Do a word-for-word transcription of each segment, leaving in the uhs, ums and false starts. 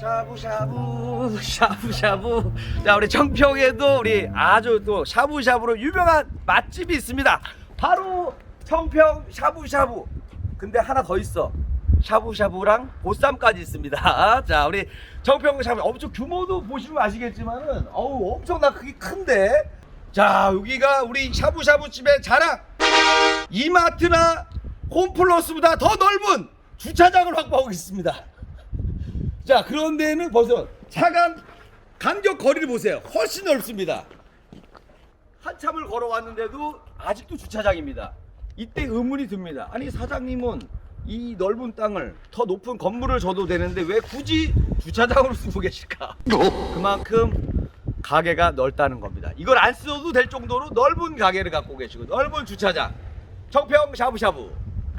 샤브샤브 샤브샤브. 자, 우리 청평에도 우리 아주 또 샤브샤브로 유명한 맛집이 있습니다. 바로 청평 샤브샤브. 근데 하나 더 있어. 샤브샤브랑 보쌈까지 있습니다. 자, 우리 청평 샤브 엄청 규모도 보시면 아시겠지만은 어우 엄청나 크기 큰데. 자, 여기가 우리 샤브샤브 집의 자랑. 이마트나 홈플러스보다 더 넓은 주차장을 확보하고 있습니다. 자, 그런데는 벌써 차간 간격 거리를 보세요. 훨씬 넓습니다. 한참을 걸어왔는데도 아직도 주차장입니다. 이때 의문이 듭니다. 아니, 사장님은 이 넓은 땅을 더 높은 건물을 줘도 되는데 왜 굳이 주차장으로 쓰고 계실까? 그만큼 가게가 넓다는 겁니다. 이걸 안 써도 될 정도로 넓은 가게를 갖고 계시고 넓은 주차장. 청평 샤브샤브.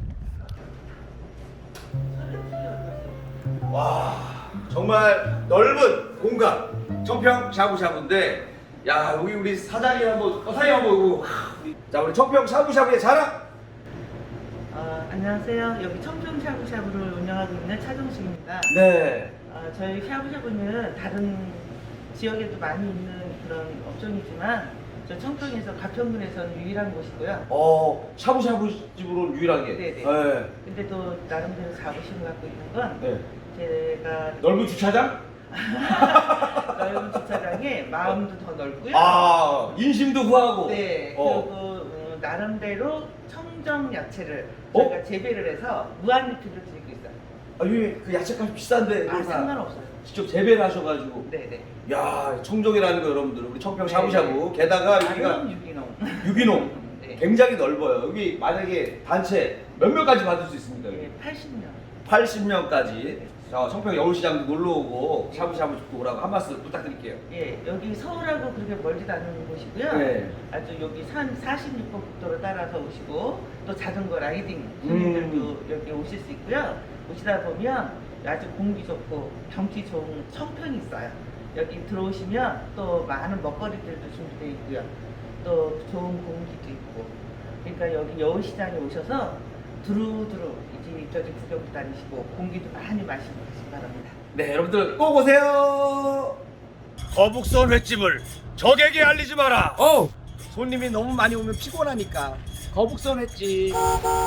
와, 정말 넓은 공간 청평 샤브샤브인데, 야, 여기 우리 사장님 한번 어, 사장님 한번 보고. 자, 우리 청평 샤브샤브의 자랑. 어, 안녕하세요. 여기 청평 샤브샤브를 운영하고 있는 차정식입니다. 네. 어, 저희 샤브샤브는 다른 지역에도 많이 있는 그런 업종이지만 저 청평에서 가평군에서는 유일한 곳이고요. 어, 샤브샤브 집으로 유일하게. 네네. 네. 근데 또 나름대로 자부심을 갖고 있는 건 네. 제가 넓은 주차장? 넓은 주차장에 마음도 더 넓고요. 아, 인심도 후하고. 네. 어. 그리고 어, 나름대로 청정 야채를 어? 저희가 재배를 해서 무한 리필을 드리고 있어요. 아, 이게 그 야채값이 비싼데. 아, 그걸 다 상관없어요. 직접 재배를 하셔가지고. 네네. 야, 청정이라는 거 여러분들 우리 청평 네. 샤브샤브. 게다가 여기가 다른 유기농. 유기농. 네. 굉장히 넓어요. 여기 만약에 단체 몇 명까지 받을 수 있습니까? 여기? 네, 팔십 년. 팔십 명까지. 자, 청평 여울시장도 놀러 오고 샤브샤브 듣고 오라고 한 말씀 부탁드릴게요. 예, 여기 서울하고 그렇게 멀지도 않은 곳이고요. 네. 아주 여기 산 사십육 번 국도를 따라서 오시고 또 자전거 라이딩 손님들도 음. 여기 오실 수 있고요. 오시다 보면 아주 공기 좋고 경치 좋은 청평이 있어요. 여기 들어오시면 또 많은 먹거리들도 준비되어 있고요. 또 좋은 공기도 있고. 그러니까 여기 여울시장에 오셔서 두루두루 이제 저기 구경도 다니시고 공기도 많이 마시고 가시기 바랍니다. 네, 여러분들 꼭 오세요. 거북선 횟집을 적에게 알리지 마라. 어, 손님이 너무 많이 오면 피곤하니까 거북선 횟집.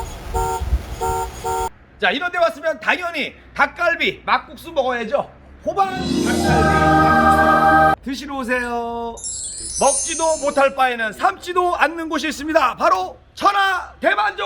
자, 이런 데 왔으면 당연히 닭갈비, 막국수 먹어야죠. 호반 닭갈비 드시러 오세요. 먹지도 못할 바에는 삶지도 않는 곳이 있습니다. 바로 천하 대만족.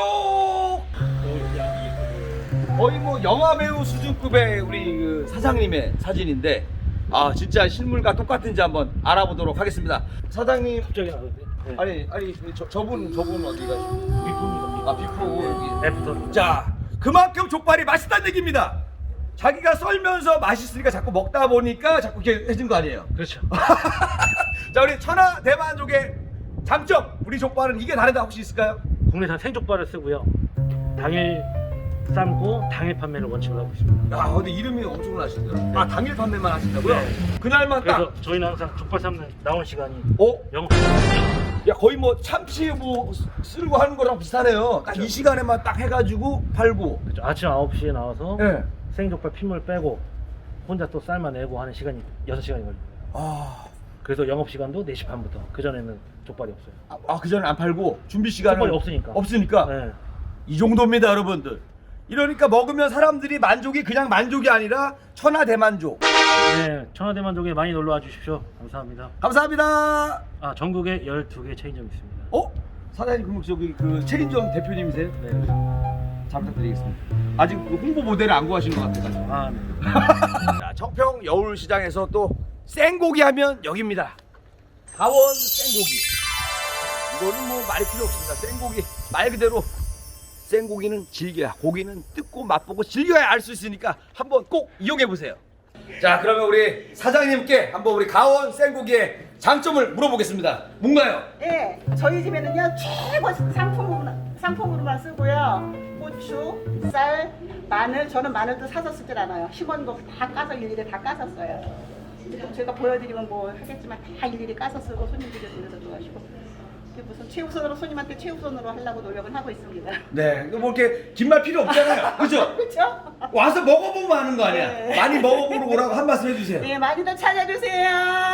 거의 뭐 영화 배우 수준급의 우리 그 사장님의 사진인데, 아, 진짜 실물과 똑같은지 한번 알아보도록 하겠습니다. 사장님. 갑자기 나오는데. 네. 아니 아니 저, 저분 저분 어디 가시고? 비품입니다. 아, 비프 여기. 애프터. 자, 그만큼 족발이 맛있다는 얘기입니다. 자기가 썰면서 맛있으니까 자꾸 먹다 보니까 자꾸 이렇게 해진 거 아니에요? 그렇죠. 자, 우리 천하 대만족의 장점, 우리 족발은 이게 다르다 혹시 있을까요? 국내산 생족발을 쓰고요. 당일 삶고 당일 판매를 원칙으로 하고 있습니다. 야, 근데 이름이 엄청나시더라고요. 아, 당일 판매만 하신다고요? 네. 그날만 딱. 그래서 저희는 항상 족발 삶는 나오는 시간이 어? 영업 시간입니다. 야, 거의 뭐 참치 뭐 쓸고 하는 거랑 비슷하네요. 딱 이 시간에만 딱 해가지고 팔고. 그렇죠. 아침 아홉 시에 나와서 예. 생족발 핏물 빼고 혼자 또 삶아내고 하는 시간이 여섯 시간이 걸립니다. 아, 그래서 영업 시간도 네 시 반부터. 그전에는 족발이 없어요. 아, 그 전에 안 팔고 준비 시간은 족발이 없으니까. 없으니까. 네. 이 정도입니다, 여러분들. 이러니까 먹으면 사람들이 만족이 그냥 만족이 아니라 천하 대만족. 네, 천하대만족에 많이 놀러 와 주십시오. 감사합니다. 감사합니다. 아, 전국에 열두 개 체인점이 있습니다. 어? 사장님, 그럼 저기 그 체인점 대표님이세요? 네. 잘 부탁드리겠습니다. 아직 그 홍보 모델을 안 구하신 것 같아가지고. 아, 네. 자, 청평 여울시장에서 또 생고기 하면 여기입니다. 강원 생고기. 이거는 뭐 말이 필요 없습니다. 생고기 말 그대로 생고기는 즐겨야, 고기는 뜯고 맛보고 즐겨야 알 수 있으니까 한번 꼭 이용해 보세요. 자, 그러면 우리 사장님께 한번 우리 강원 생고기의 장점을 물어보겠습니다. 뭔가요? 예, 저희 집에는요 최고 상품으로, 상품으로만 쓰고요. 고추, 쌀, 마늘, 저는 마늘도 사서 쓰질 않아요. 심은 거 다 까서 일일이 다 까서 써요. 그리고 제가 보여드리면 뭐 하겠지만 다 일일이 까서 쓰고 손님들이 들려서 좋아하시고 이게 무슨 최우선으로 손님한테 최우선으로 하려고 노력은 하고 있습니다. 네, 뭐 이렇게 긴 말 필요 없잖아요. 그죠? 그렇죠? 와서 먹어보면 아는 거 아니야. 네. 많이 먹어보러 오라고 한 말씀 해주세요. 네, 많이들 찾아주세요.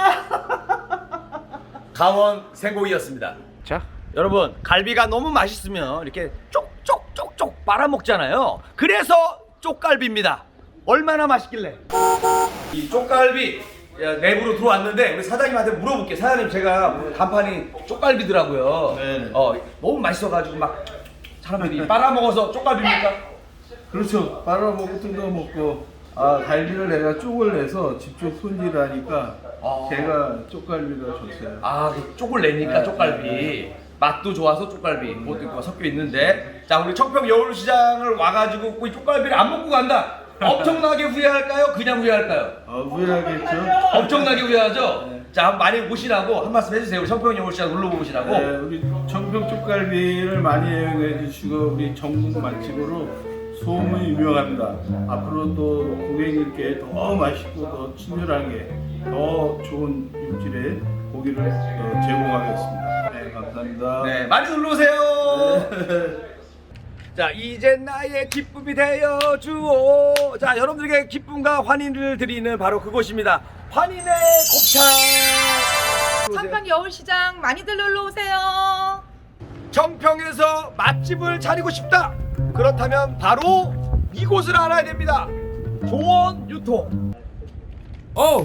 강원 생고기였습니다. 자, 여러분 갈비가 너무 맛있으면 이렇게 쪽쪽쪽쪽 빨아먹잖아요. 그래서 쪽갈비입니다. 얼마나 맛있길래? 이 쪽갈비 야, 내부로 들어왔는데 우리 사장님한테 물어볼게요. 사장님 제가 간판이 쪽갈비더라고요. 네. 어, 너무 맛있어가지고 막 사람들이 빨아먹어서 쪽갈비입니까? 그렇죠. 빨아먹고 뜯어먹고 아 갈비를 내가 쪽을 내서 직접 손질하니까 아. 제가 쪽갈비가 좋어요. 아, 그 쪽을 내니까 네, 쪽갈비. 네, 맛도 좋아서 쪽갈비. 그것도 있고 섞여 있는데. 자, 우리 청평 여울시장을 와가지고 이 쪽갈비를 안 먹고 간다. 엄청나게 후회할까요? 그냥 후회할까요? 어, 후회하겠죠. 엄청나게 후회하죠? 네. 자, 한번 많이 오시라고 한 말씀 해주세요. 우리 청평 여울시장 놀러 오시라고. 네, 우리 청평 쪽갈비를 많이 이용해 주시고 우리 전국 맛집으로 소문이 유명합니다. 앞으로도 고객님께 더 맛있고 더 친절하게 더 좋은 육질의 고기를 어, 제공하겠습니다. 네, 감사합니다. 네, 많이 놀러 오세요. 자, 이제 나의 기쁨이 되어 주오. 자, 여러분들에게 기쁨과 환희를 드리는 바로 그곳입니다. 환희의 곱창. 청평 여울시장 많이들 놀러 오세요. 청평에서 맛집을 차리고 싶다. 그렇다면 바로 이곳을 알아야 됩니다. 조원 유통. 어.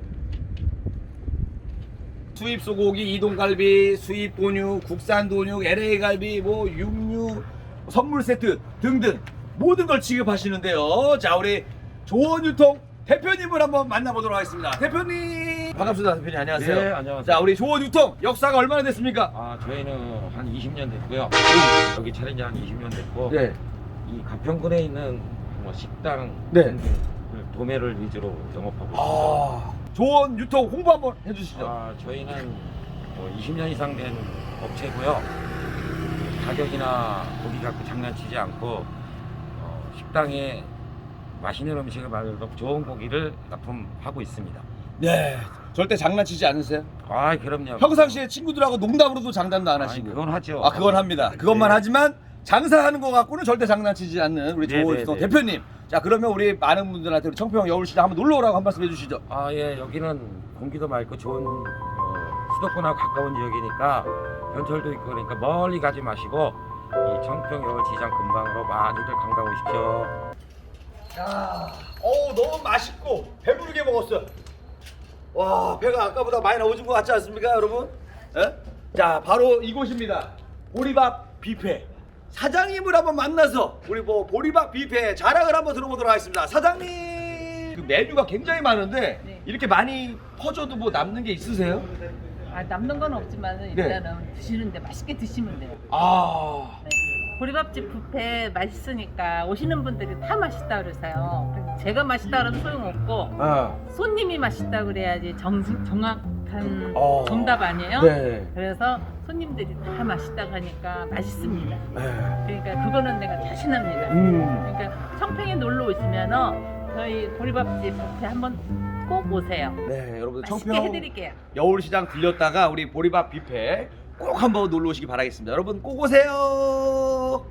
수입 소고기, 이동갈비, 수입 돈육, 국산 돈육, 엘에이 갈비, 뭐 육류, 선물 세트 등등 모든 걸 지급하시는데요. 자, 우리 조원 유통 대표님을 한번 만나보도록 하겠습니다. 대표님 반갑습니다. 대표님 안녕하세요. 네, 안녕하세요. 자, 우리 조원 유통 역사가 얼마나 됐습니까? 아, 저희는 한 이십 년 됐고요. 여기 차린 지 한 이십 년 됐고, 네. 이 가평군에 있는 뭐 식당 네. 등등 도매를 위주로 영업하고 있습니다. 아, 조원 유통 홍보 한번 해주시죠. 아, 저희는 뭐 이십 년 이상 된 업체고요. 가격이나 고기 갖고 장난치지 않고 어, 식당에 맛있는 음식을 만들어 좋은 고기를 납품하고 있습니다. 네, 절대 장난치지 않으세요? 아, 그럼요. 평상시에 친구들하고 농담으로도 장난도 안 아니, 하시고. 그건 하죠. 아, 그건 합니다. 그것만 네. 하지만 장사하는 거 갖고는 절대 장난치지 않는 우리 네, 조원 네, 유통 네. 대표님. 자, 그러면 우리 많은 분들한테 우리 청평 여울시장 한번 놀러 오라고 한 말씀 해주시죠. 아, 예, 여기는 공기도 맑고 좋은 어, 수도권하고 가까운 지역이니까 현철도 있고 그러니까 멀리 가지 마시고 이 청평 여울시장 근방으로 많이들 관광 오십시오. 야, 어우 너무 맛있고 배부르게 먹었어요. 와, 배가 아까보다 많이 나오신 것 같지 않습니까, 여러분? 예? 자, 바로 이곳입니다. 보리밥 뷔페. 사장님을 한번 만나서 우리 뭐 보리밥 뷔페 자랑을 한번 들어보도록 하겠습니다. 사장님, 그 메뉴가 굉장히 많은데 네. 이렇게 많이 퍼줘도 뭐 남는 게 있으세요? 아, 남는 건 없지만 일단은 드시는데 맛있게 드시면 돼요. 아, 네. 보리밥집 뷔페 맛있으니까 오시는 분들이 다 맛있다 그러세요. 그래서 제가 맛있다 그러면 소용없고 아, 손님이 맛있다 그래야지 정, 정확한 어. 정답 아니에요? 네. 그래서 손님들이 다 맛있다고 하니까 맛있습니다. 네. 그러니까 그거는 내가 자신합니다. 음. 그러니까 청평에 놀러 오시면 저희 보리밥집 뷔페 한번 꼭 오세요. 네, 여러분들 맛있게 청평 해드릴게요. 여울시장 들렸다가 우리 보리밥 뷔페 꼭 한번 놀러 오시기 바라겠습니다. 여러분 꼭 오세요.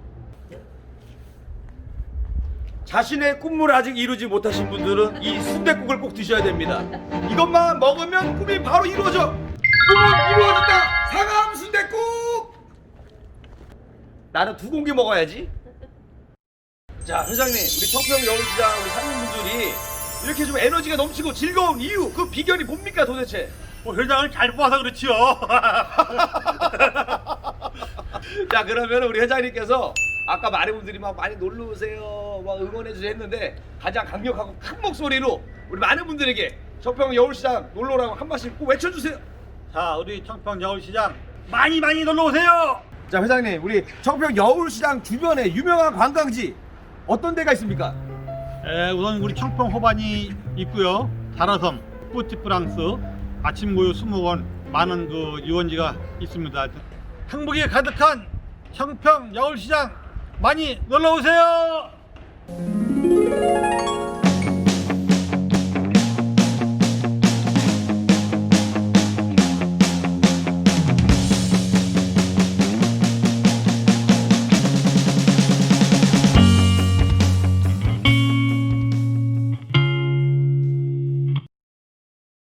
자신의 꿈을 아직 이루지 못하신 분들은 이 순댓국을 꼭 드셔야 됩니다. 이것만 먹으면 꿈이 바로 이루어져. 꿈은 이루어진다. 상암 순댓국. 나는 두 공기 먹어야지. 자, 회장님, 우리 청평 여울시장 우리 상인분들이 이렇게 좀 에너지가 넘치고 즐거운 이유, 그 비결이 뭡니까 도대체? 뭐 회장을 잘 뽑아서 그렇지요. 자, 그러면 우리 회장님께서 아까 많은 분들이 막 많이 놀러 오세요, 막 응원해 주세요 했는데 가장 강력하고 큰 목소리로 우리 많은 분들에게 청평 여울시장 놀러 오라고 한 말씀 꼭 외쳐주세요. 자, 우리 청평 여울시장 많이 많이 놀러 오세요. 자, 회장님, 우리 청평 여울시장 주변에 유명한 관광지 어떤 데가 있습니까? 에, 우선 우리 청평 호반이 있고요. 자라섬, 뿌티프랑스, 아침고요 수목원 많은 그 유원지가 있습니다. 행복이 가득한 청평 여울시장 많이 놀러 오세요.